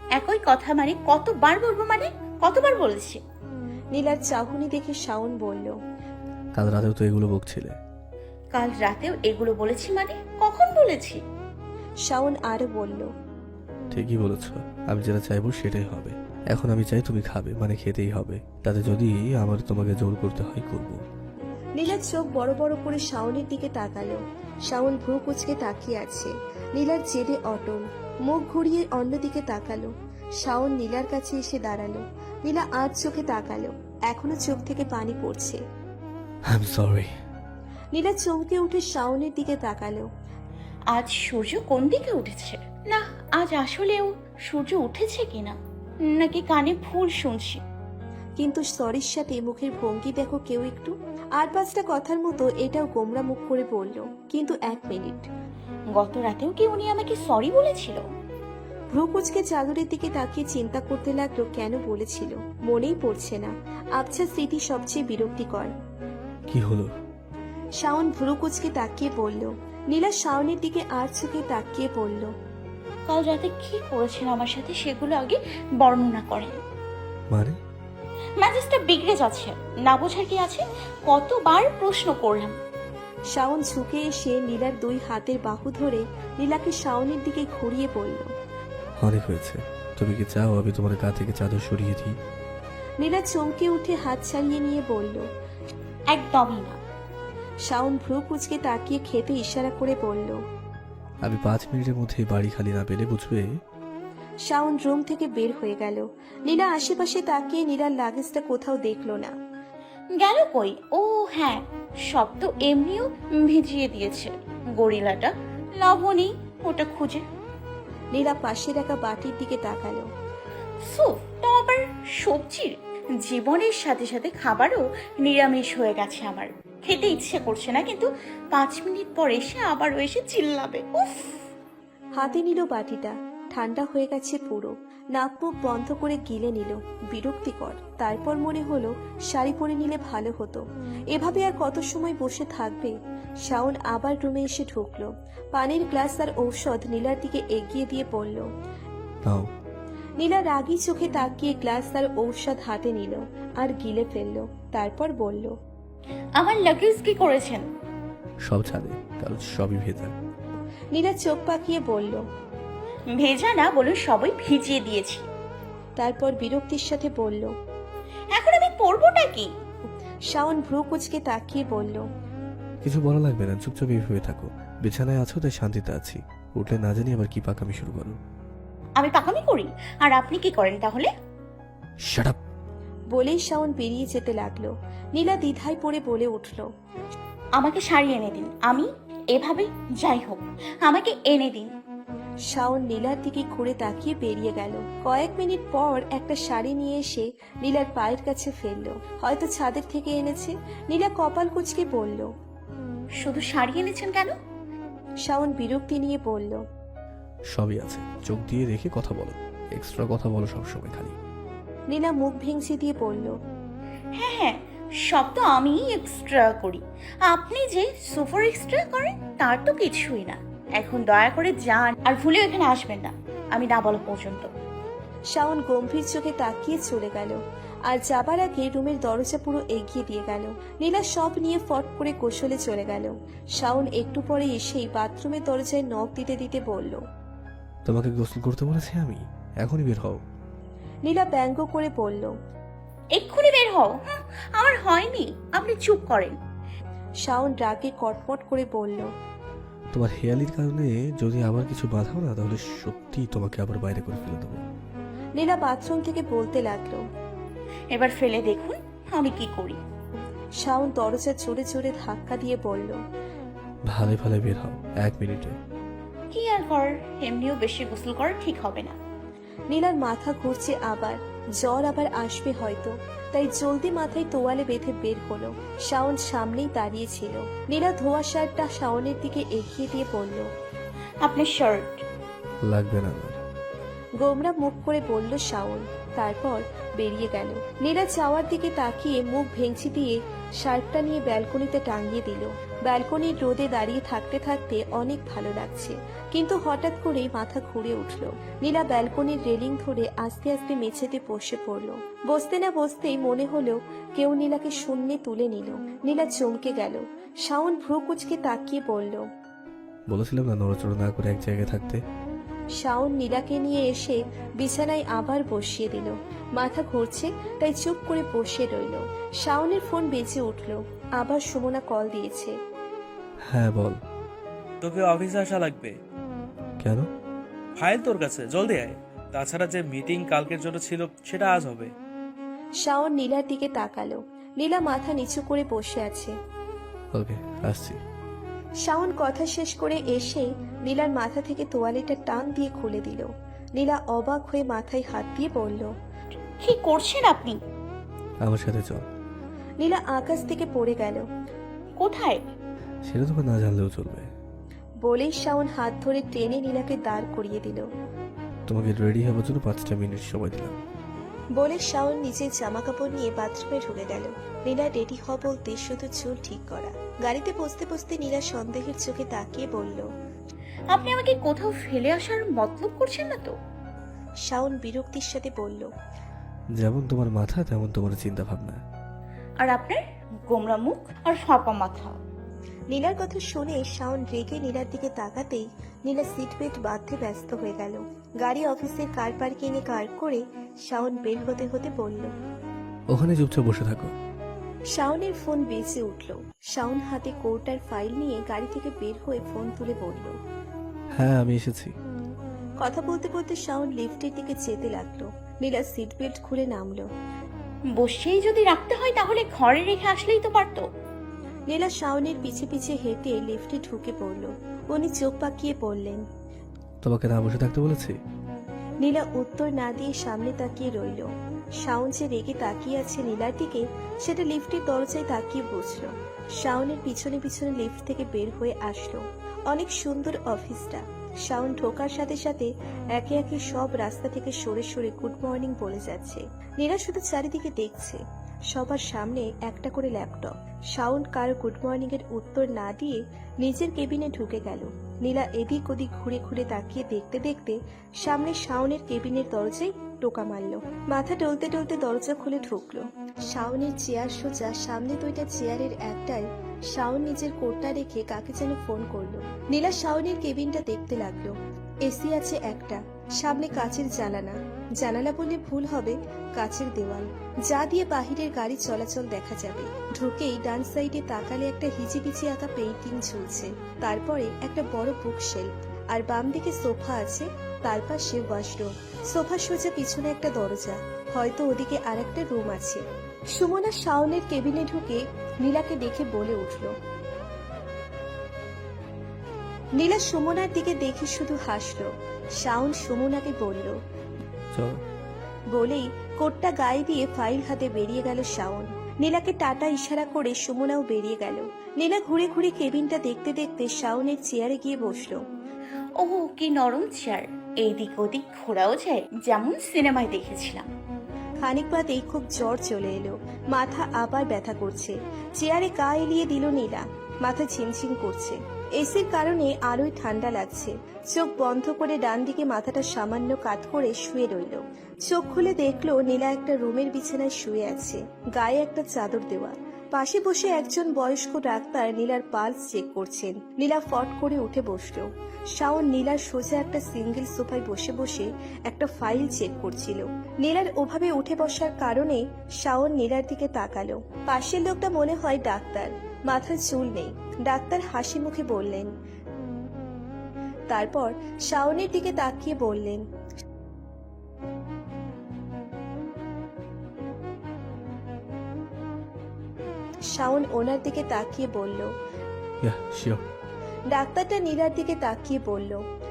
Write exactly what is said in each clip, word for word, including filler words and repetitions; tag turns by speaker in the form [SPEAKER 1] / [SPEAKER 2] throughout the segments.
[SPEAKER 1] একই কথা মানে কতবার বলবো, মানে কতবার বলেছি?
[SPEAKER 2] নীলার চাহনি দেখে শাওন বলল,
[SPEAKER 3] কাল রাতেও তো এগুলো বকছিলে।
[SPEAKER 1] কাল রাতেও এগুলো বলেছি মানে কখন বলেছি?
[SPEAKER 2] শাওন আরো বলল,
[SPEAKER 3] ঠিকই বলেছ, আমি যেটা চাইবো সেটাই হবে। এখন আমি চাই তুমি খাবে, মানে খেতেই হবে, তাতে যদি আমার তোমাকে জোর করতে হয় করব।
[SPEAKER 2] নীলার চোখ বড় বড় করে শাওনের দিকে তাকালো। শাওন ভ্রু কুচকে তাকিয়ে আছে। নীলার জেদে অটল, মুখ ঘুরিয়ে অন্যদিকে তাকালো। শাওন নীলার কাছে এসে দাঁড়ালো। নীলা আজ চোখে তাকালো, এখনো চোখ থেকে পানি পড়ছে।
[SPEAKER 3] I am sorry.
[SPEAKER 2] নীলা চমকে উঠে শাওনের দিকে তাকালো।
[SPEAKER 1] আজ সূর্য কোন দিকে উঠেছে? না, আজ আসলেও সূর্য উঠেছে কিনা, নাকি কানে ভুল শুনছি?
[SPEAKER 2] কিন্তু সরির সাথে মুখের ভঙ্গি দেখো কেউ একটু। আর পাঁচটা কথার মতো এটাও গোমরা মুখ করে বলল, কিন্তু এক মিনিট।
[SPEAKER 1] গত রাতেও কি উনি আমাকে সরি বলেছিল?
[SPEAKER 2] ভ্রু কুচকে চাদরের দিকে তাকিয়ে চিন্তা করতে লাগলো কেন বলেছিল, মনেই পড়ছে না। আবছা স্মৃতি সবচেয়ে বিরক্তিকর।
[SPEAKER 3] কি হলো?
[SPEAKER 2] শাওন ভ্রু কুচকে তাকিয়ে বলল। নীলা শাওনের দিকে আর চোখে তাকিয়ে বলল,
[SPEAKER 1] কাল রাতে কি করেছেন আমার সাথে সেগুলো আগে বর্ণনা করেন।
[SPEAKER 3] মানে?
[SPEAKER 1] মেজাজটা বিগড়ে যাচ্ছে, না বোঝার কি আছে? কতবার প্রশ্ন করলাম।
[SPEAKER 2] শাওন ঝুঁকে এসে নীলার দুই হাতের বাহু ধরে নীলাকে শাওনের দিকে ঘুরিয়ে বলল।
[SPEAKER 3] অনেক হয়েছে, তুমি কি চাও আমি তোমার গা থেকে চাদর সরিয়ে দিই?
[SPEAKER 2] নীলা চমকে উঠে হাত ছাড়িয়ে নিয়ে বলল।
[SPEAKER 1] একদমই না।
[SPEAKER 2] শাওন ভ্রু কুচকে তাকিয়ে খেতে ইশারা করে বলল।
[SPEAKER 3] আমি পাঁচ মিনিটের মধ্যে বাড়ি খালি না পেলে বুঝবে।
[SPEAKER 2] শাওন রুম থেকে বের হয়ে গেল। নীলা আশেপাশে তাকিয়ে নীলার লাগেজটা কোথাও দেখলো না।
[SPEAKER 1] গেল কই? ও হ্যাঁ, সব তো এমনিও ভিজিয়ে দিয়েছে গরিলাটা। লবণী, ওটা খুঁজে।
[SPEAKER 2] নীলা পাশে রাখা বাটির দিকে তাকালো।
[SPEAKER 1] স্যুপটা আবার সবজির? জীবনের সাথে সাথে খাবারও নিরামিষ হয়ে গেছে আমার। খেতে ইচ্ছে করছে না, কিন্তু পাঁচ মিনিট পর এসে আবারও এসে চিল্লাবে। উফ!
[SPEAKER 2] হাতে নিল বাটিটা, ঠান্ডা হয়ে গেছে পুরো। নাক মুখ বন্ধ করে গিলে নিল, বিরক্তিকর। তারপর মনে হলো শাড়ি পরে নিলে ভালো হতো। এভাবে আর কত সময় বসে থাকবে? শাওন আবার রুমে এসে ঢুকলো। পানির গ্লাস আর ঔষধ নীলার দিকে এগিয়ে দিয়ে পড়ল।
[SPEAKER 3] নাও।
[SPEAKER 2] নীলা রাগী চোখে তাকিয়ে গ্লাস আর ঔষধ হাতে নিল আর গিলে ফেললো। তারপর বলল,
[SPEAKER 1] আমার লাগেজ কি করেছেন?
[SPEAKER 3] সব ছাদে, কারণ সবই ভেজা।
[SPEAKER 2] নীলা চোখ পাকিয়ে বলল।
[SPEAKER 1] ভেজা না, বলুন সবই ভিজিয়ে দিয়েছি।
[SPEAKER 2] তারপর বিরক্তির সাথে বলল,
[SPEAKER 1] এখন আমি পরবোটা কি?
[SPEAKER 2] শাওন ভ্রু কুচকে তাকিয়ে বলল,
[SPEAKER 3] কিছু বলা লাগবে না, চুপচাপ এইভাবে থাকো। বিছানায় আছো তাই শান্তিতে আছি, উঠলে না জানি আবার কি পাকামি শুরু করো।
[SPEAKER 1] আমি পাকামি করি? আর আপনি কি করেন তাহলে?
[SPEAKER 3] Shut up!
[SPEAKER 2] বলেই শাওন বেরিয়ে যেতে লাগলো। নীলা দ্বিধায় পড়ে বলে উঠল,
[SPEAKER 1] আমাকে শাড়ি এনে দিন, আমি এভাবে যাই হোক আমাকে এনে দিন।
[SPEAKER 2] শাওন নীলার দিকে ঘুরে তাকিয়ে বেরিয়ে গেল। কয়েক মিনিট পর একটা শাড়ি নিয়ে এসে নীলার পায়ের কাছে ফেললো। হয়তো ছাদের থেকে এনেছে। নীলা কপাল কুচকে বলল।
[SPEAKER 1] শুধু শাড়ি এনেছেন কেন?
[SPEAKER 2] শাওন বিরক্তি নিয়ে বলল,
[SPEAKER 3] সবই আছে, চোখ দিয়ে রেখে কথা বলো, এক্সট্রা কথা বলো সবসময় খালি।
[SPEAKER 2] নীলা মুখ ভেঙচি দিয়ে বলল,
[SPEAKER 1] হ্যাঁ হ্যাঁ, সব তো আমি এক্সট্রা করি। আপনি যে সুপার এক্সট্রা করেন তার তো কিছুই না। এখন দয়া করে যান, আর ভুলেও এখানে আসবেন না আমি না বলা পর্যন্ত।
[SPEAKER 2] শাওন গম্ভীর চোখে তাকিয়ে চলে গেল। আর যাবার আগে রুমের দরজা পুরো এগিয়ে দিয়ে গেল। নীলা সব নিয়ে ফট করে গোসলে চলে গেল। শাওন একটু পরে এসেই বাথরুমের দরজায় নখ দিতে দিতে বলল,
[SPEAKER 3] তোমাকে গোসল করতে বলেছি আমি, এখনই বের হও।
[SPEAKER 2] নীলা ব্যঙ্গ করে বলল,
[SPEAKER 1] এক্ষুনি বের হও। হুঁ, আমার হয়নি, আপনি চুপ করেন।
[SPEAKER 2] শাওন রাগে কটমট করে বলল,
[SPEAKER 3] তোমার হেয়ালির কারণে যদি আবার কিছু বাধাও না, তাহলে সত্যি তোমাকে আবার বাইরে করে ফেলে দেবো।
[SPEAKER 2] নীলা বাথরুম থেকে বলতে লাগলো।
[SPEAKER 1] এবার ফেলে দেখুন আমি কি করি।
[SPEAKER 2] শাওন দরজা জোরে জোরে ধাক্কা দিয়ে বলল,
[SPEAKER 3] ভালে ভালে বের হও, এক মিনিটে।
[SPEAKER 1] কি আর করার, এমনিও বেশি গোসল করা ঠিক হবে না।
[SPEAKER 2] নীলার মাথা ঘুরছে আবার, জ্বর আবার আসবে হয়তো। তাই জলদি মাথায় তোয়ালে বেঁধে বের হলো। শাওন সামনেই দাঁড়িয়ে ছিল। নীলা ধোয়া শার্টটা শাওনের দিকে এগিয়ে দিয়ে বলল,
[SPEAKER 1] আপনার শার্ট।
[SPEAKER 3] লাগবে না আমার।
[SPEAKER 2] গোমরা মুখ করে বলল শাওন। তারপর বেরিয়ে গেল। নীলা চাওয়ার দিকে তাকিয়ে মুখ ভেঙচি দিয়ে শার্টটা নিয়ে ব্যালকনিতে টাঙিয়ে দিল। ব্যালকনির রোদে দাঁড়িয়ে থাকতে থাকতে অনেক ভালো লাগছে, কিন্তু হঠাৎ করেই মাথা ঘুরে উঠল। নীলা ব্যালকনির রেলিং ধরে আস্তে আস্তে মেঝেতে বসে পড়ল। বসতে না বসতেই মনে হলো কেউ নীলাকে শূন্যে তুলে নিল। নীলা চমকে গেল। শাওন ভ্রু কুচকে তাকিয়ে বলল,
[SPEAKER 3] বলেছিলাম না নড়াচড়া না করে এক জায়গায় থাকতে।
[SPEAKER 2] শাওন নীলাকে নিয়ে এসে বিছানায় আবার বসিয়ে দিল। মাথা ঘুরছে তাই চুপ করে বসে রইল। শাওনের ফোন বেজে উঠল। আবার সুমনা কল দিয়েছে।
[SPEAKER 3] হ্যাঁ বল।
[SPEAKER 4] তোকে অফিসে আসা লাগবে।
[SPEAKER 3] কেন?
[SPEAKER 4] ফাইল তোর কাছে, জলদি আয়। তাছাড়া যে মিটিং কালকের জন্য ছিল সেটা আজ হবে।
[SPEAKER 2] শাওন নীলার দিকে তাকালো। নীলা মাথা নিচু করে বসে আছে।
[SPEAKER 3] ওকে, আসছি।
[SPEAKER 2] শাওন কথা শেষ করে এসে নীলার মাথা থেকে তোয়ালেটা টান দিয়ে খুলে দিল। নীলা অবাক হয়ে মাথায় হাত দিয়ে বলল,
[SPEAKER 1] কি করছেন আপনি?
[SPEAKER 3] আমার সাথে চল।
[SPEAKER 2] নীলা আকাশ থেকে পড়ে গেল।
[SPEAKER 1] কোথায়?
[SPEAKER 3] সেটা তোকে না জানলেও চলবে।
[SPEAKER 2] বলেই শাওন হাত ধরে টেনে নীলাকে দাঁড় করিয়ে দিল।
[SPEAKER 3] তোমাকে রেডি হওয়ার জন্য পাঁচটা মিনিট সময় দিলাম।
[SPEAKER 2] বলে শাওন নিজের জামা কাপড় নিয়ে বাথরুমে ঢুকে গেল। নীলা রেডি হওয়া বলতে শুধু চুল ঠিক করা। গাড়িতে বসতে বসতে নীলা সন্দেহের চোখে তাকিয়ে বলল,
[SPEAKER 1] আপনি আমাকে কোথাও ফেলে আসার মতলব করছেন না তো?
[SPEAKER 2] শাওন বিরক্তির সাথে বলল,
[SPEAKER 3] যেমন তোমার মাথা তেমন তোমার চিন্তা ভাবনা।
[SPEAKER 1] আর আপনার গোমরা মুখ আর ফাঁপা মাথা।
[SPEAKER 2] নীলার কথা শুনে শাওন রেগে নীলার দিকে তাকাতেই নীলা সিট বেল্ট বাঁধতে ব্যস্ত হয়ে গেল। গাড়ি অফিসের কার পার্কিং এ কার করে শাওন বের হতে হতে বলল,
[SPEAKER 3] ওখানে চুপচাপ বসে থাকো।
[SPEAKER 2] শাওনের ফোন বেজে উঠল। শাওন হাতে কোর্টার ফাইল নিয়ে গাড়ি থেকে বের হয়ে ফোন তুলে বলল,
[SPEAKER 3] হ্যাঁ আমি এসেছি।
[SPEAKER 2] কথা বলতে বলতে শাওন লিফটের দিকে যেতে লাগলো। নীলা সিট বেল্ট খুলে নামলো।
[SPEAKER 1] বসেই যদি রাখতে হয় তাহলে ঘরে রেখে আসলেই তো পারতো।
[SPEAKER 2] নীলা শাওনের পিছে পিছে হেঁটে লিফটে ঢুকে পড়ল। উনি চোখ পাকিয়ে পড়লেন।
[SPEAKER 3] তোমাকে না বসে থাকতে বলেছি?
[SPEAKER 2] নীলা উত্তর না দিয়ে সামনে তাকিয়ে রইল। শাওন যে রেগে তাকিয়ে আছে নীলার দিকে সেটা লিফটের দরজায় তাকিয়ে বুঝলো। শাওনের পিছনে পিছনে লিফট থেকে বের হয়ে আসলো। অনেক সুন্দর অফিসটা। শাওন ঢোকার সাথে সাথে একে একে সব রাস্তা থেকে সরে সরে গুড মর্নিং বলে যাচ্ছে। নীলা শুধু চারিদিকে দেখছে। সবার সামনে একটা করে ল্যাপটপ। শাওন কারো গুড মর্নিং এর উত্তর না দিয়ে নিজের কেবিনে ঢুকে গেল। নীলা এদিক ওদিক ঘুরে ঘুরে তাকিয়ে দেখতে দেখতে সামনে শাওনের কেবিনের দরজায় টোকা মারল। মাথা টলতে টলতে দরজা খুলে ঢুকলো। শাওনের চেয়ার সোজা, সামনে দুইটা চেয়ারের একটায় শাওন নিজের কোটটা রেখে কাকে যেন ফোন করলো। নীলা শাওনের কেবিনটা দেখতে লাগলো। এসি আছে একটা, সামনে কাচের জানালা। জানালা বললে ভুল হবে, কাচের দেওয়াল, যা দিয়ে বাহিরের গাড়ি চলাচল দেখা যাবে। ঢুকেই ডান সাইডে তাকালে একটা হিজিবিজি আঁকা পেইন্টিং ঝুলছে। তারপরে একটা বড় বুক শেলফ, আর বাম দিকে সোফা আছে, তার পাশে ওয়াশরুম। সোফা সোজা পিছনে একটা দরজা, হয়তো ওদিকে আর একটা রুম আছে। সুমনা শাওনের কেবিনে ঢুকে নীলাকে দেখে বলে উঠল। নীলা সুমনার দিকে দেখে শুধু হাসলো। শাওন সুমনাকে বলল,
[SPEAKER 3] চলো।
[SPEAKER 2] বলেই কোটটা গায়ে দিয়ে ফাইল হাতে বেরিয়ে গেল শাওন। নীলাকে টাটা ইশারা করে সুমনাও বেরিয়ে গেল। নীলা ঘুরে ঘুরে কেবিনটা দেখতে দেখতে শাওনের চেয়ারে গিয়ে বসলো।
[SPEAKER 1] ও কি নরম চেয়ার, এইদিক ওদিক ঘোরাও যায়, যেমন সিনেমায় দেখেছিলাম।
[SPEAKER 2] খানিক বাদেই খুব জ্বর চলে এলো। মাথা আবার ব্যথা করছে। চেয়ারে গা এলিয়ে দিল নীলা। মাথা ঝিমঝিম করছে। এসির কারণে আরোই ঠান্ডা লাগছে। চোখ বন্ধ করে ডান দিকে মাথাটা সামান্য কাত করে শুয়ে রইল। চোখ খুলে দেখলো নীলা একটা রুমের বিছানায় শুয়ে আছে, গায়ে একটা চাদর দেওয়া। পাশে বসে একজন বয়স্ক ডাক্তার নীলার পালস চেক করছেন। নীলা ফট করে উঠে বসলো। শাওন নীলার সোজা একটা সিঙ্গেল সোফায় বসে বসে একটা ফাইল চেক করছিল। নীলার ওভাবে উঠে বসার কারণে শাওন নীলার দিকে তাকালো। পাশের লোকটা মনে হয় ডাক্তার, মাথায় চুল নেই। ডাক্তার হাসি মুখে বললেন, তারপর শাওনের দিকে তাকিয়ে বললেন, শাওন ওনার দিকে তাকিয়ে বলল,
[SPEAKER 3] ইয়া শিওর।
[SPEAKER 2] ডাক্তারটা নীলার দিকে তাকিয়ে বলল।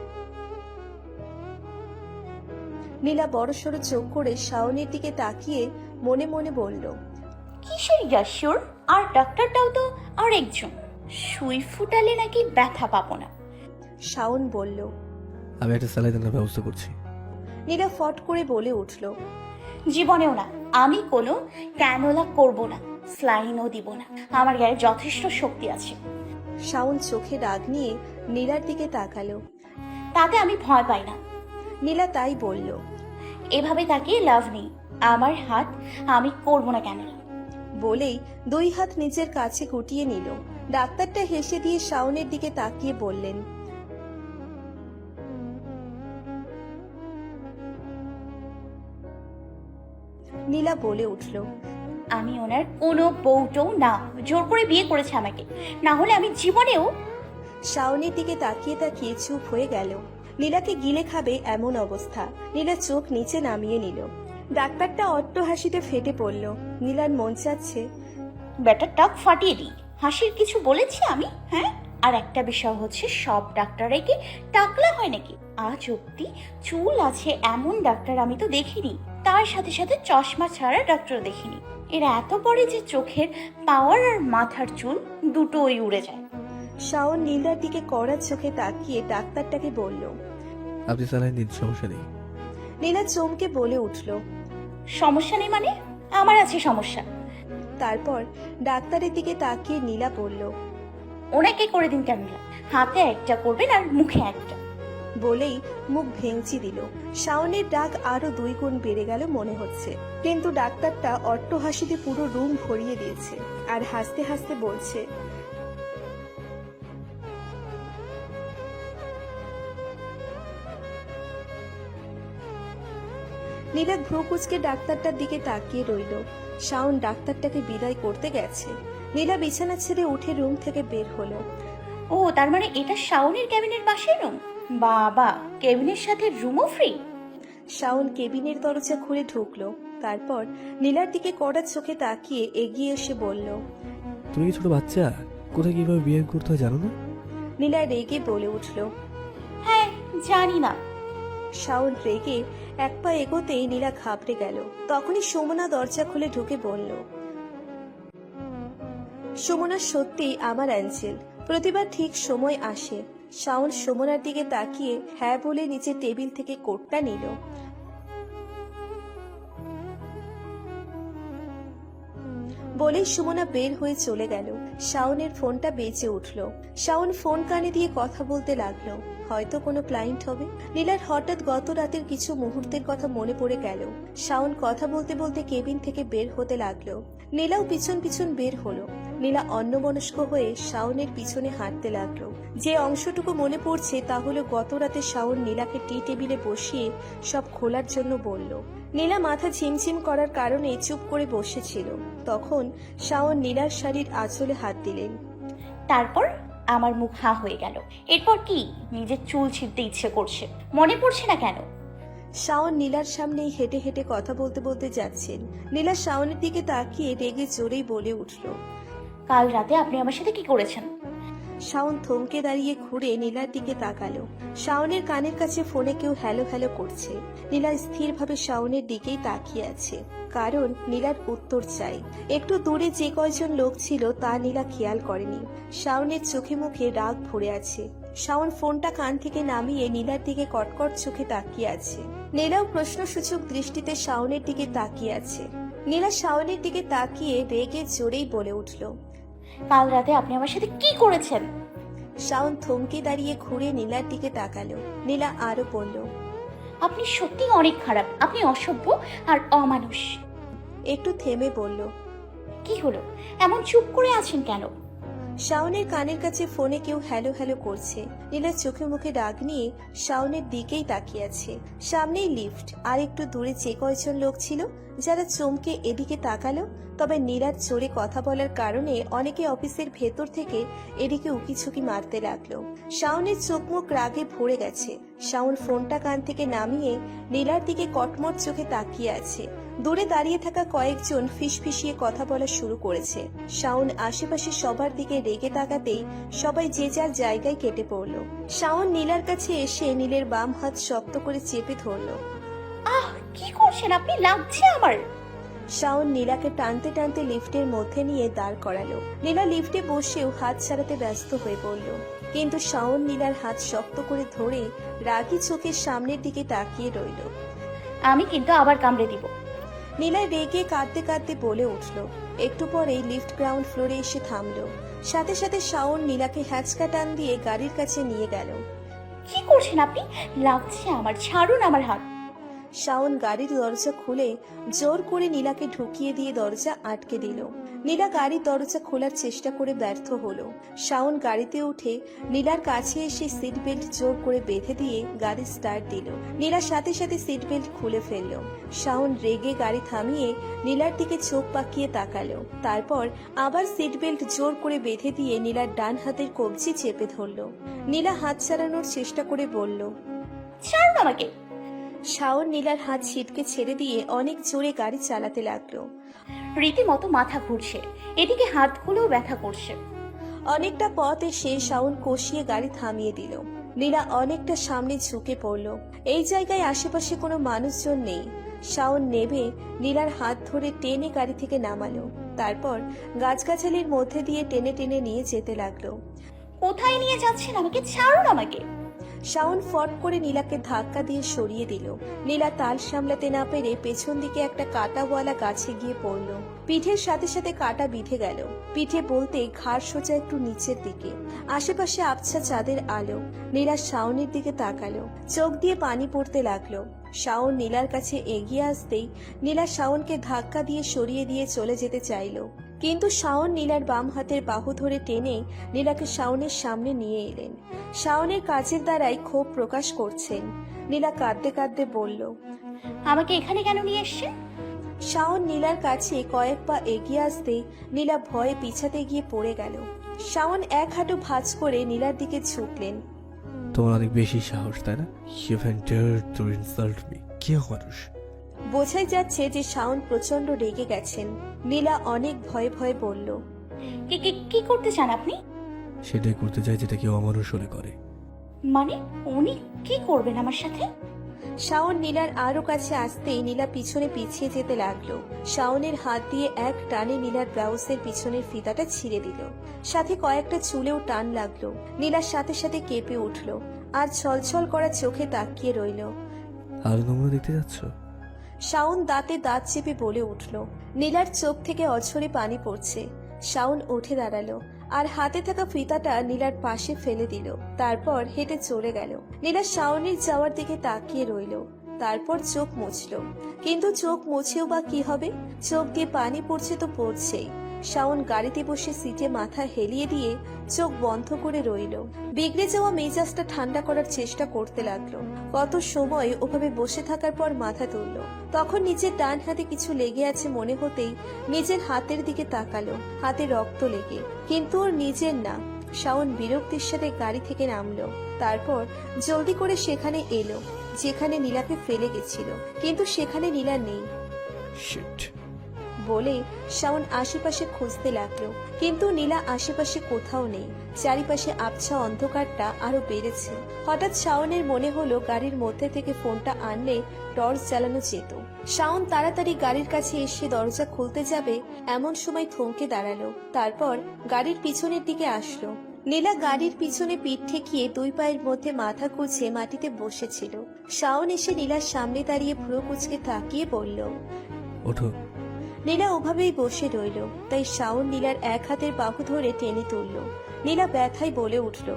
[SPEAKER 2] নীলা বড়সড় চোখ করে শাওনের দিকে তাকিয়ে মনে মনে বলল,
[SPEAKER 1] কিসের ইয়াশোর? আর ডাক্তারটাও তো আর একজন। সুই ফুটালে নাকি ব্যথা পাবো না।
[SPEAKER 2] শাওন বলল।
[SPEAKER 3] আমি একটা স্যালাইনের ব্যবস্থা করছি।
[SPEAKER 2] নীলা ফট করে বলে উঠল,
[SPEAKER 1] জীবনেও না, আমি কোনো ক্যানোলা করব না, স্লাইনও দিব না। আমার গায়ে যথেষ্ট শক্তি আছে।
[SPEAKER 2] শাওন চোখে রাগ নিয়ে নীলার দিকে তাকালো।
[SPEAKER 1] তাতে আমি ভয় পাই না।
[SPEAKER 2] নীলা তাই বলল।
[SPEAKER 1] এভাবে তাকিয়ে লাভ নেই। আমার হাত আমি করবো না কেন?
[SPEAKER 2] বলেই দুই হাত নিজের কাছে গুটিয়ে নিল। ডাক্তারটা হেসে দিয়ে শাওনের দিকে তাকিয়ে বললেন, নীলা বলে উঠল,
[SPEAKER 1] আমি ওনার কোনো বউটও না, জোর করে বিয়ে করেছে আমাকে, না হলে আমি জীবনেও।
[SPEAKER 2] শাওনের দিকে তাকিয়ে তাকিয়ে চুপ হয়ে গেল। নীলাকে গিলে খাবে এমন অবস্থা। নীলা চোখ নিচে নামিয়ে নিল। ডাক্তারটা অট্ট হাসিতে ফেটে পড়ল। নীলার মন চাচ্ছে
[SPEAKER 1] ব্যাটার টাক ফাটিয়ে দিই। হাসির কিছু বলেছি আমি? হ্যাঁ। আর একটা বিষয় হচ্ছে, সব ডাক্তাররাই কি টাকলা হয় নাকি? আজ অব্দি চুল আছে এমন ডাক্তার আমি তো দেখিনি। তার সাথে সাথে চশমা ছাড়া ডাক্তার দেখিনি। এরা এত পরে যে চোখের পাওয়ার আর মাথার চুল দুটোই উড়ে যায়।
[SPEAKER 2] শাওন নীলার দিকে কড়া চোখে তাকিয়ে ডাক্তারটাকে বলল।
[SPEAKER 3] আপনি স্যালাইন দিন, সমস্যা নেই।
[SPEAKER 2] নীলা চমকে বলে উঠল।
[SPEAKER 1] সমস্যা নেই মানে? আমার আছে সমস্যা।
[SPEAKER 2] তারপর ডাক্তারের দিকে তাকিয়ে নীলা বলল,
[SPEAKER 1] ওনাকে করে দিন কেন? হাতে একটা করবেন আর মুখে একটা।
[SPEAKER 2] বলেই মুখ ভেঙচি দিল। শাওনের ডাক আরো দুই গুণ বেড়ে গেল মনে হচ্ছে। কিন্তু ডাক্তারটা অট্ট হাসিতে পুরো রুম ভরিয়ে দিয়েছে আর হাসতে হাসতে বলছে, নীলা ভ্রু কুচকে ডাক্তারটার দিকে তাকিয়ে রইল। শাওন ডাক্তারটাকে বিদায় করতে গেছে। নীলা বিছানা ছেড়ে উঠে রুম থেকে বের হলো।
[SPEAKER 1] ও, তার মানে এটা শাওনের ক্যাবিনের পাশের রুম? বাবা, কেবিনের সাথে রুমও ফ্রি?
[SPEAKER 2] শাওন কেবিনের দরজা খুলে ঢুকলো। তারপর নীলার দিকে কড়া চোখে তাকিয়ে এগিয়ে এসে বলল,
[SPEAKER 3] তুমি কি ছোট বাচ্চা? কোথায় কিভাবে বিয়ে করতে হয় জানো না?
[SPEAKER 2] নীলা রেগে বলে উঠল।
[SPEAKER 1] হ্যাঁ, জানি না।
[SPEAKER 2] শাওন রেগে এক পা এগোতেই নীলা ঘাবড়ে গেল। তখনই সুমনা দরজা খুলে ঢুকে বলল, সুমনা সত্যি আমার অ্যাঞ্জেল, প্রতিবার ঠিক সময় আসে। শাওন সুমনার দিকে তাকিয়ে হ্যাঁ বলে নিচে টেবিল থেকে কোটটা নিল। বলেই সুমনা বের হয়ে চলে গেল। শাওনের ফোনটা বেজে উঠল। শাওন ফোন কানে দিয়ে কথা বলতে লাগলো। হয়তো কোনো ক্লায়েন্ট হবে। নীলার হঠাৎ গত রাতের কিছু মুহূর্তের কথা মনে পড়ে গেল। শাওন কথা বলতে বলতে কেবিন থেকে বের হতে লাগলো। নীলাও পিছন পিছন বের হলো। নীলা অন্যমনস্ক হয়ে শাওনের পিছনে হাঁটতে লাগলো। যে অংশটুকু মনে পড়ছে তা হলো গত রাতে শাওন নীলাকে টি টেবিলে বসিয়ে সব খোলার জন্য বলল। নীলা মাথা ঝিমঝিম করার কারণে চুপ করে বসেছিল। তখন শাওন নীলার শাড়ির আঁচলে হাত দিলেন।
[SPEAKER 1] তারপর আমার মুখ হা হয়ে গেল। এরপর কি? নিজের চুল ছিঁড়তে ইচ্ছে করছে। মনে পড়ছে না কেন?
[SPEAKER 2] শাওন নীলার সামনেই হেঁটে হেঁটে কথা বলতে বলতে যাচ্ছেন। নীলা শাওনের দিকে তাকিয়ে রেগে জোরেই বলে উঠল,
[SPEAKER 1] কাল রাতে আপনি আমার সাথে কি করেছেন?
[SPEAKER 2] শাওন থমকে দাঁড়িয়ে ঘুরে নীলার দিকে তাকালো। শাওনের কানের কাছে ফোনে কেউ হ্যালো হ্যালো করছে। নীলা স্থিরভাবে শাওনের দিকেই তাকিয়ে আছে, কারণ নীলার উত্তর চাই। একটু দূরে যে কয়জন লোক ছিল তা নীলা খেয়াল করেনি। শাওনের চোখে মুখে রাগ ভরে আছে। শাওন ফোনটা কান থেকে নামিয়ে নীলার দিকে কটকট চোখে তাকিয়ে আছে। নীলাও প্রশ্নসূচক দৃষ্টিতে শাওনের দিকে তাকিয়ে আছে। নীলা শাওনের দিকে তাকিয়ে রেগে জোরেই বলে উঠল,
[SPEAKER 1] কাল রাতে আপনি আমার সাথে কি করেছেন?
[SPEAKER 2] শাওন থমকে দাঁড়িয়ে ঘুরে নীলার দিকে তাকালো। নীলা আরো বলল,
[SPEAKER 1] আপনি সত্যি অনেক খারাপ। আপনি অসভ্য আর অমানুষ।
[SPEAKER 2] একটু থেমে বলল,
[SPEAKER 1] কি হলো? এমন চুপ করে আছেন কেন?
[SPEAKER 2] শাওনের কানের কাছে ফোনে কেউ হ্যালো হ্যালো করছে। নীলা চোখে মুখে রাগ নিয়ে শাওনের দিকেই তাকিয়ে আছে। সামনেই লিফট, আর একটু দূরে যে কয়জন লোক ছিল যারা চমকে এদিকে তাকালো। তবে নীলার জোরে কথা বলার কারণে অনেকে অফিসের ভেতর থেকে এদিকে উকিঝুঁকি মারতে লাগলো। শাওনের চোখ মুখ রাগে ভরে গেছে। শাওন ফোনটা কান থেকে নামিয়ে নীলার দিকে কটমট চোখে তাকিয়ে আছে। দূরে দাঁড়িয়ে থাকা কয়েকজন ফিসফিসিয়ে কথা বলা শুরু করেছে। শাওন আশেপাশে সবার দিকে রেগে তাকাতেই সবাই যে যার জায়গায় কেটে পড়ল। শাওন নীলার কাছে এসে নীলের বাম হাত শক্ত করে চেপে ধরল।
[SPEAKER 1] আহ, কি করছেন আপনি? লাগছে আমার।
[SPEAKER 2] শাওন নীলাকে টানতে টানতে লিফটের মধ্যে নিয়ে দাঁড় করালো। নীলা লিফটে বসেও হাত ছাড়াতে ব্যস্ত হয়ে পড়ল। কিন্তু শাওন নীলার হাত শক্ত করে ধরে রাগী চোখের সামনের দিকে তাকিয়ে রইল।
[SPEAKER 1] আমি কিন্তু আবার কামড়ে দিব।
[SPEAKER 2] নীলা রেগে কাঁদতে কাঁদতে বলে উঠল। একটু পরেই লিফট গ্রাউন্ড ফ্লোরে এসে থামলো। সাথে সাথে শাওন নীলাকে হ্যাচকা টান দিয়ে গাড়ির কাছে নিয়ে গেল।
[SPEAKER 1] কি করছেন আপনি? লাগছে আমার, ছাড়ুন আমার হাত।
[SPEAKER 2] শাওন গাড়ির দরজা খুলে জোর করে নীলাকে ঢুকিয়ে দিয়ে দরজা আটকে দিল। নীলা গাড়ির দরজা খোলার চেষ্টা করে ব্যর্থ হলো। শাওন গাড়িতে উঠে নীলার কাছে এসে সিট বেল্ট জোর করে বেঁধে দিয়ে গাড়ি স্টার্ট দিল। নীলার সাথে সাথে সিট বেল্ট খুলে ফেলল। শাওন রেগে গাড়ি থামিয়ে নীলার দিকে চোখ পাকিয়ে তাকালো। তারপর আবার সিট বেল্ট জোর করে বেঁধে দিয়ে নীলার ডান হাতের কবজি চেপে ধরল। নীলা হাত ছাড়ানোর চেষ্টা করে বলল,
[SPEAKER 1] ছাড়ুন আমাকে।
[SPEAKER 2] শাওন নীলার হাত ছিটকে ছেড়ে দিয়ে অনেক জোরে গাড়ি চালাতে লাগলো।
[SPEAKER 1] রীতিমতো মাথা ঘুরছে, এদিকে হাতগুলোও ব্যথা করছে।
[SPEAKER 2] অনেকটা পথ এসে শাওন কষিয়ে গাড়ি থামিয়ে দিল। নীলা অনেকটা সামনে ঝুঁকে পড়ল। এই জায়গায় আশেপাশে কোনো মানুষজন নেই। শাওন নেমে নীলার হাত ধরে টেনে গাড়ি থেকে নামালো। তারপর গাছগাছালির মধ্যে দিয়ে টেনে টেনে নিয়ে যেতে লাগলো।
[SPEAKER 1] কোথায় নিয়ে যাচ্ছেন আমাকে? ছাড়ুন আমাকে।
[SPEAKER 2] শাওন ফট করে নীলাকে ধাক্কা দিয়ে সরিয়ে দিল। নীলা তাল সামলাতে না পেরে পেছন দিকে একটা কাঁটাওয়ালা গাছে গিয়ে পড়ল। পিঠের সাথে সাথে কাঁটা বিঁধে গেল। পিঠে বলতে ঘাড় সোজা একটু নিচের দিকে। আশেপাশে আবছা চাঁদের আলো। নীলা শাওনের দিকে তাকালো, চোখ দিয়ে পানি পড়তে লাগলো। শাওন নীলার কাছে এগিয়ে আসতেই নীলা শাওনকে ধাক্কা দিয়ে সরিয়ে দিয়ে চলে যেতে চাইল, কিন্তু শাওন নীলার বাম হাতের বাহু ধরে টেনে নীলাকে শাওনের সামনে নিয়ে এলেন। শাওনের কাজের দ্বারাই ক্ষোভ প্রকাশ করছেন। নীলা কাঁদতে কাঁদতে বলল,
[SPEAKER 1] আমাকে এখানে কেন নিয়ে এসছেন?
[SPEAKER 2] শাওন নীলার কাছে কয়েক পা এগিয়ে আসতেই নীলা ভয়ে পিছাতে গিয়ে পড়ে গেল। শাওন এক হাঁটু ভাঁজ করে নীলার দিকে ঝুঁকলেন।
[SPEAKER 3] তোমার অনেক বেশি সাহস, তাই না? You can dare to insult me. কি মানুষ?
[SPEAKER 2] বোঝাই যাচ্ছে যে শাওন প্রচন্ড রেগে গেছেন। নীলা অনেক ভয়ে ভয়ে বলল,
[SPEAKER 1] কি কি কি করতে চান আপনি?
[SPEAKER 3] সেটাই করতে চাই যেটা কেউ অমানুষ হলে করে।
[SPEAKER 1] মানে উনি কি করবেন আমার সাথে?
[SPEAKER 2] শাওন নীলার আরো কাছে আসতেই নীলা পিছনে পিছিয়ে যেতে লাগলো। শাওনের হাত দিয়ে এক টানে নীলার ব্লাউজের পিছনের ফিতাটা ছিঁড়ে দিল। সাথে কয়েকটা চুলেও টান লাগলো। নীলার সাথে সাথে কেঁপে উঠল আর ছলছল করা চোখে তাকিয়ে রইল।
[SPEAKER 3] আরো নমুনা দেখতে যাচ্ছ?
[SPEAKER 2] শাওন দাঁতে দাঁত চেপে বলে উঠল। নীলার চোখ থেকে অঝরে পানি পড়ছে। শাওন উঠে দাঁড়ালো আর হাতে থাকা ফিতাটা নীলার পাশে ফেলে দিল। তারপর হেঁটে চলে গেল। নীলা শাওনের যাওয়ার দিকে তাকিয়ে রইল। তারপর চোখ মুছল, কিন্তু চোখ মুছেও বা কি হবে? চোখ দিয়ে পানি পড়ছে তো পড়ছেই। শাওন গাড়িতে বসে সিটে মাথা হেলিয়ে দিয়ে চোখ বন্ধ করে রইল। বিগড়ে যাওয়া মেজাজটা ঠান্ডা করার চেষ্টা করতে লাগলো। কত সময় ওভাবে বসে থাকার পর মাথা তুলল। তখন নিজের ডান হাতে কিছু লেগে আছে মনে হতেই নিজের হাতের দিকে তাকালো। হাতে রক্ত লেগে, কিন্তু ওর নিজের না। শাওন বিরক্তির সাথে গাড়ি থেকে নামলো। তারপর জলদি করে সেখানে এলো যেখানে নীলাকে ফেলে গেছিল, কিন্তু সেখানে নীলা নেই।
[SPEAKER 3] শিট।
[SPEAKER 2] বলে শাওন আশেপাশে খুঁজতে লাগলো, কিন্তু নীলা আশেপাশে কোথাও নেই। চারিপাশে আবছা অন্ধকারটা আরো বেড়েছে। হঠাৎ শাওনের মনে হলো গাড়ির মধ্যে থেকে ফোনটা আনলে টর্চ জ্বালানো যেত। শাওন তাড়াতাড়ি গাড়ির কাছে এসে দরজা খুলতে যাবে এমন সময় থমকে দাঁড়ালো। তারপর গাড়ির পিছনের দিকে আসলো। নীলা গাড়ির পিছনে পিঠ ঠেকিয়ে দুই পায়ের মধ্যে মাথা কুঁচে মাটিতে বসেছিল। শাওন এসে নীলার সামনে দাঁড়িয়ে ভ্রু কুঁচকে তাকিয়ে বলল,
[SPEAKER 3] ওঠো।
[SPEAKER 2] নীলা ওভাবেই বসে রইল। তাই শাওন নীলার এক হাতের বাহু ধরে টেনে তুলল। নীলা ব্যথায় বলে উঠল,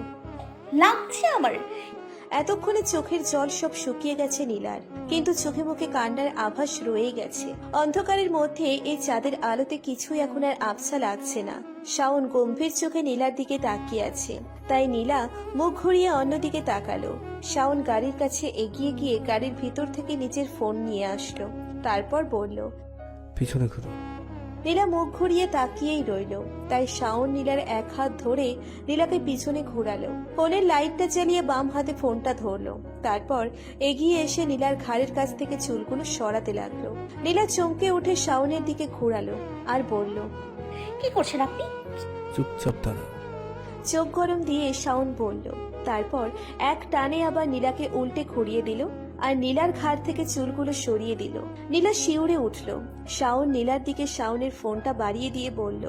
[SPEAKER 1] লাগছে আমার।
[SPEAKER 2] এতক্ষণে চোখের জল সব শুকিয়ে গেছে নীলার, কিন্তু চোখে মুখে কান্নার আভাস রয়ে গেছে। অন্ধকারের মধ্যে এই চাঁদের আলোতে কিছুই এখন আর আবছা লাগছে না। শাওন গম্ভীর চোখে নীলার দিকে তাকিয়ে আছে, তাই নীলা মুখ ঘুরিয়ে অন্যদিকে তাকালো। শাওন গাড়ির কাছে এগিয়ে গিয়ে গাড়ির ভিতর থেকে নিজের ফোন নিয়ে আসলো। তারপর বলল,
[SPEAKER 3] পিছনে ঘুরো।
[SPEAKER 2] নীলা মুখ ঘুরিয়ে তাকিয়েই রইল। তাই শাওন নীলার এক হাত ধরে নীলাকে পিছনে ঘোরালো। ফোনের লাইটটা জ্বালিয়ে বাম হাতে ফোনটা ধরলো। তারপর এগিয়ে এসে নীলার ঘাড়ের কাছ থেকে চুলগুলো সরাতে লাগলো। নীলা চমকে উঠে শাওনের দিকে ঘোরালো আর বলল,
[SPEAKER 1] কি করছেন আপনি?
[SPEAKER 3] চুপচাপ দাঁড়াও।
[SPEAKER 2] চোখ গরম দিয়ে শাওন বলল। তারপর এক টানে আবার নীলাকে উল্টে ঘুরিয়ে দিল আর নীলার ঘাড় থেকে চুলগুলো সরিয়ে দিল। নীলা শিউরে উঠল। শাওন নীলার দিকে শাওনের ফোনটা বাড়িয়ে দিয়ে বলল,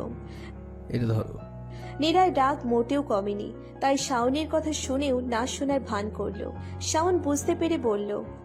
[SPEAKER 3] এটা ধরো।
[SPEAKER 2] নীলার ডাক মোটেও কমেনি, তাই শাওনের কথা শুনেও না শোনার ভান করলো। শাওন বুঝতে পেরে বলল,